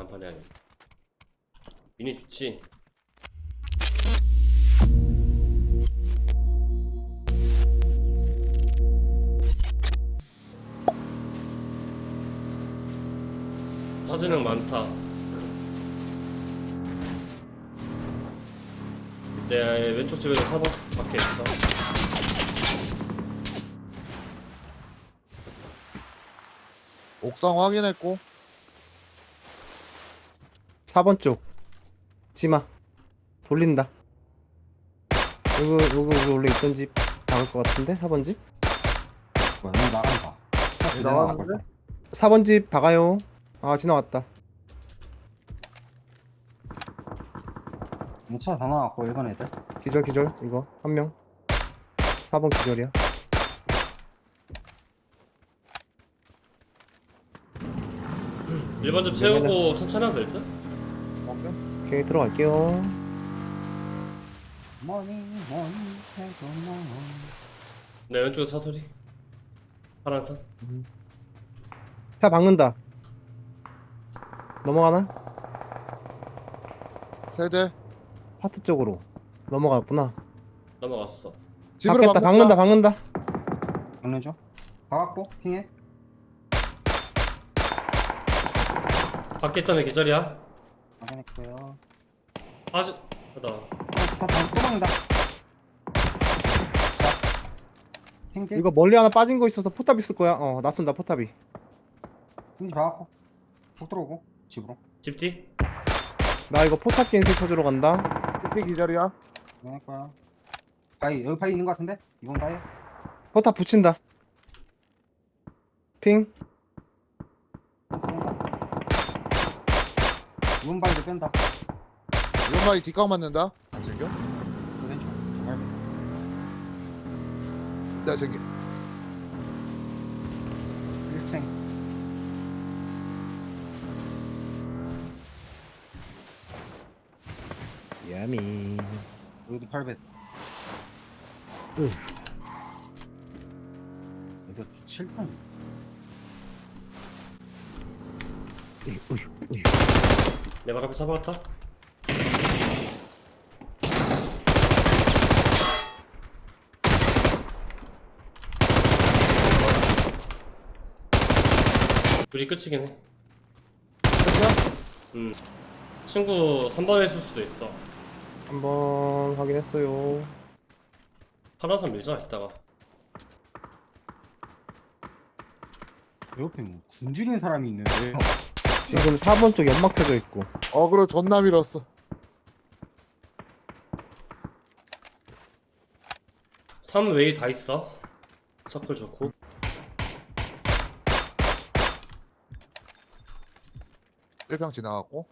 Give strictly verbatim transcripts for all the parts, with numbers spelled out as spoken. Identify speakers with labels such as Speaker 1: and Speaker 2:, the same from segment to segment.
Speaker 1: 단판 해야겠네. 미니 좋지? 사진은 많다. 내 왼쪽 집에도 사 번 밖에 있어.
Speaker 2: 옥상 확인했고.
Speaker 3: 사 번 쪽 지마 돌린다. 요거 요거 요거 원래 있던 집 나갈 것 같은데. 사 번 집
Speaker 4: 뭐야 여기 나간다.
Speaker 2: 여기 나왔는데?
Speaker 3: 사 번 집 박아요. 아 지나왔다.
Speaker 4: 차 다 나왔고 일반 애들.
Speaker 3: 기절 기절. 이거 한명 사 번 기절이야.
Speaker 1: 일 번 집 세우고 천천히 하면 될 듯?
Speaker 3: 오케이 들어갈게요.
Speaker 4: 머니 머니 해도 머니.
Speaker 1: 내 왼쪽에 사소리. 파란색.
Speaker 3: 차 박는다. 넘어가나?
Speaker 2: 세대.
Speaker 3: 파트 쪽으로 넘어갔구나.
Speaker 1: 넘어갔어.
Speaker 2: 집으로
Speaker 3: 박겠다. 박는다 박는다.
Speaker 4: 박는 중. 박았고 핑해.
Speaker 1: 밖에 있던 애 기절이야.
Speaker 4: 확인했고요.
Speaker 1: 아직 나
Speaker 4: 어, 다, 다, 또 박는다. 자, 핑계.
Speaker 3: 이거 멀리 하나 빠진 거 있어서 포탑 있을 거야. 어 낯선다 포탑이.
Speaker 4: 핑계 박았고. 쭉 들어오고 집으로.
Speaker 1: 집 뒤.
Speaker 3: 나 이거 포탑 겐슬 쳐주러 간다.
Speaker 2: 피 기절이야.
Speaker 4: 확인했고요. 바위 여기 바위 있는 거 같은데? 이번 바위.
Speaker 3: 포탑 붙인다. 핑.
Speaker 4: 뺀다. 이번 바위도 뺀다.
Speaker 2: 이번 마이 뒷각 맞는다. 안 챙겨?
Speaker 4: 그 왼쪽. 정말.
Speaker 2: 내가 챙겨.
Speaker 4: 일 층.
Speaker 3: 야미.
Speaker 4: 여기도 팔 배.
Speaker 3: 으.
Speaker 4: 이거 칠 번.
Speaker 3: 으이, 으이, 으이.
Speaker 1: 내 발 앞에 사박았다. 둘이 끝이긴 해. 음. 친구 삼 번에 있을 수도 있어.
Speaker 3: 한번 확인했어요.
Speaker 1: 파란색 밀자 이따가.
Speaker 4: 옆에 뭐 굶주린 사람이 있는데.
Speaker 3: 지금 사 번 쪽 연막 펴져 있고.
Speaker 2: 어그로 존나 밀었어.
Speaker 1: 삼 웨이 다 있어. 서클 좋고.
Speaker 2: 일평 지나갔고.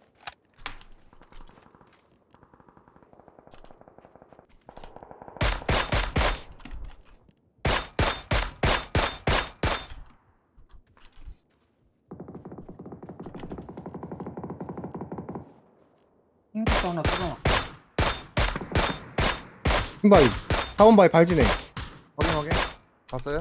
Speaker 4: 핑크도 하나 뜯어놔.
Speaker 3: 흰바위. 사 번 바위 발진해.
Speaker 2: 확인 확인. 봤어요?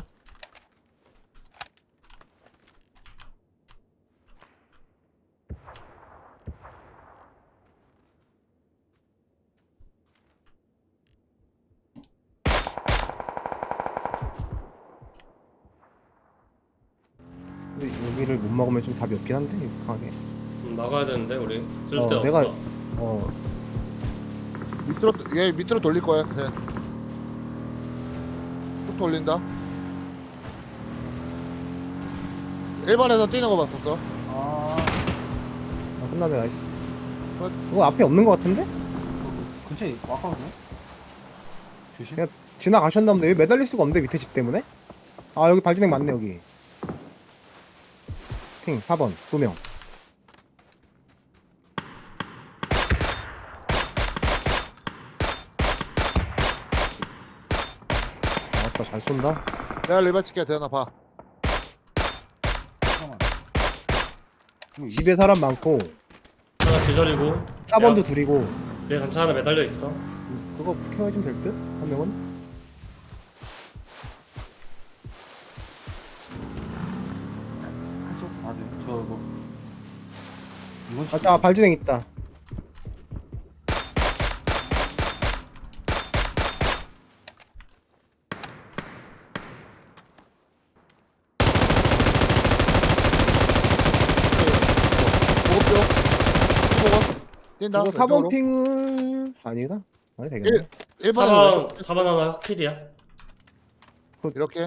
Speaker 3: 근데 여기를 못 먹으면 좀 답이 없긴 한데 강하게.
Speaker 1: 음, 나가야 되는데 우리 쓸데
Speaker 3: 어,
Speaker 1: 없어.
Speaker 3: 내가- 어
Speaker 2: 밑으로 얘 밑으로 돌릴 거야. 네. 쭉 돌린다. 일 번에서 뛰는 거 봤었어.
Speaker 4: 아,
Speaker 3: 아, 끝나네. 나이스.
Speaker 2: 끝.
Speaker 3: 이거 앞에 없는 거 같은데?
Speaker 4: 근처에 왔거든요. 조심.
Speaker 3: 그냥 지나가셨나 보네. 여기 매달릴 수가 없는데 밑에 집 때문에. 아 여기 발진행 맞네 여기. 핑 사 번 두 명. 아따 잘 쏜다.
Speaker 2: 내가 리발 칠게. 대현아 봐.
Speaker 4: 잠깐만. 이거
Speaker 3: 집에 사람 많고
Speaker 1: 하나 기절이고.
Speaker 3: 사 번도
Speaker 1: 야,
Speaker 3: 둘이고.
Speaker 1: 내 단차 하나 매달려 있어.
Speaker 3: 그거 케어해주면 될 듯? 한 명은?
Speaker 4: 한쪽 맞아요. 저 뭐. 이건
Speaker 3: 아, 자, 발진행 있다.
Speaker 2: 보급표 보급 뛴다
Speaker 3: 이거 사 번
Speaker 2: 왼쪽으로.
Speaker 3: 핑을 아니다. 아니 되겠네.
Speaker 2: 일 번에
Speaker 1: 사 번
Speaker 2: 왼쪽
Speaker 1: 사 번 하나 확킬이야.
Speaker 2: 이렇게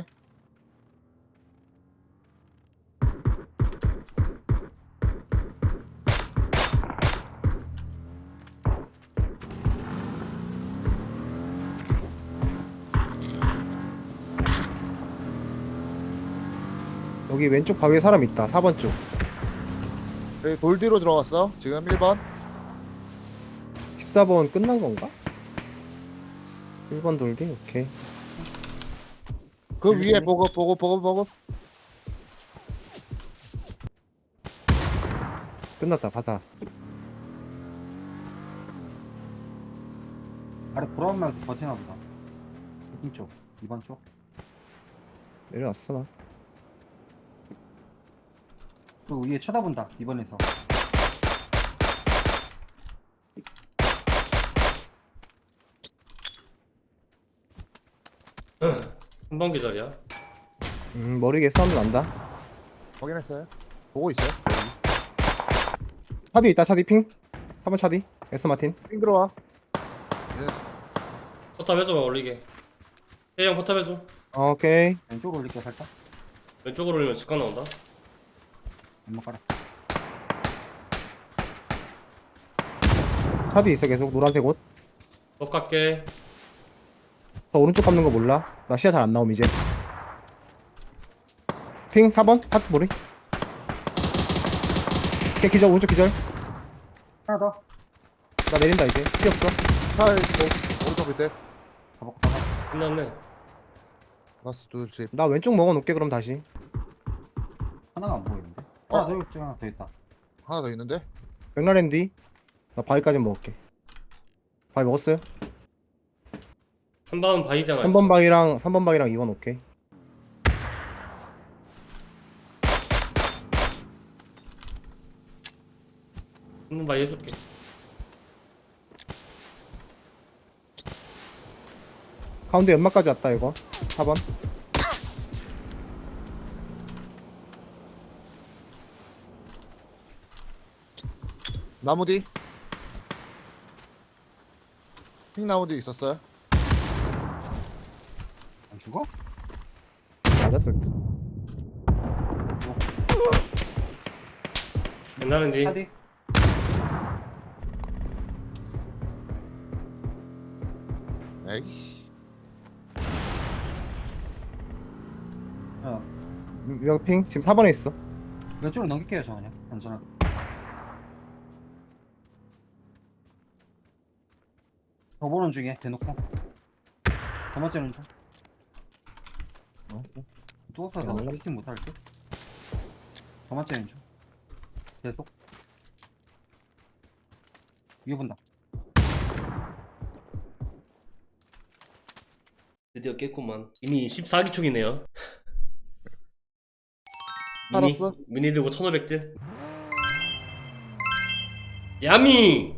Speaker 3: 여기 왼쪽 바위에 사람 있다. 사 번 쪽.
Speaker 2: 여기 돌 뒤로 들어갔어 지금 일 번.
Speaker 3: 십사 번 끝난 건가? 일 번 돌기? 오케이.
Speaker 2: 그 위에 보급 보급 보급 보급.
Speaker 3: 끝났다. 바사.
Speaker 4: 아래 보라만 버티나 보다. 이쪽, 이번 쪽.
Speaker 3: 내려왔어 나.
Speaker 4: 또 위에 쳐다본다. 이번에서.
Speaker 1: 삼 번 기절이야.
Speaker 3: 음 머리에 사운드 난다.
Speaker 2: 확인했어요. 보고 있어요.
Speaker 3: 차디 있다. 차디 핑. 사 번 차디. 에스 마틴.
Speaker 2: 핑 들어와.
Speaker 1: 포탑 해줘봐 올리게. A형 포탑 해줘.
Speaker 3: 어, 오케이.
Speaker 4: 왼쪽으로 올릴게 살짝.
Speaker 1: 왼쪽으로 올리면 직관 나온다.
Speaker 4: 연막 깔았어.
Speaker 3: 차디 있어 계속 노란색 옷.
Speaker 1: 더 갈게.
Speaker 3: 저 오른쪽 감는 거 몰라. 나 시야 잘 안 나옴 이제. 핑 사 번 하트 머리. 오케이 기절 오른쪽 기절.
Speaker 4: 하나 더.
Speaker 3: 나 내린다 이제. 뛰었어.
Speaker 2: 차 있고 오른쪽 밑에
Speaker 4: 가볼까? 가봐.
Speaker 1: 끝났네.
Speaker 2: 라스 둘 집.
Speaker 3: 나 왼쪽 먹어놓게 그럼 다시.
Speaker 4: 하나가 안 보이는데.
Speaker 2: 어?
Speaker 4: 하나 더 있- 하나 더 있다.
Speaker 2: 하나 더 있는데.
Speaker 3: 맥라렌디. 나 바위까지 먹을게. 바위 먹었어요?
Speaker 1: 삼 번 바이디 하나
Speaker 3: 삼
Speaker 1: 있어.
Speaker 3: 번 바위랑 삼 번 바위랑 이 번 오케이.
Speaker 1: 삼 번 바이 해줄게.
Speaker 3: 가운데 연막까지 왔다 이거. 사 번.
Speaker 2: 나무 뒤. 핑 나무 뒤 있었어요.
Speaker 4: 안 죽어?
Speaker 3: 맞았을 때.
Speaker 1: 옛날엔 뒤.
Speaker 4: 차디.
Speaker 2: 에이씨.
Speaker 4: 어.
Speaker 3: 여기 핑 지금 사 번에 있어.
Speaker 4: 왼쪽으로 넘길게요 저 그냥. 안전하게. 더 보는 중에 대놓고. 더 번째는 중.
Speaker 2: 어?
Speaker 4: 누워서
Speaker 3: 야, 몰라.
Speaker 4: 피팅 못할 듯. 더 번째는 중. 계속. 위에 본다.
Speaker 1: 드디어 깼구만. 이미 십사 기 총이네요.
Speaker 2: 알았어.
Speaker 1: 미니 들고 천오백 딜. 야미!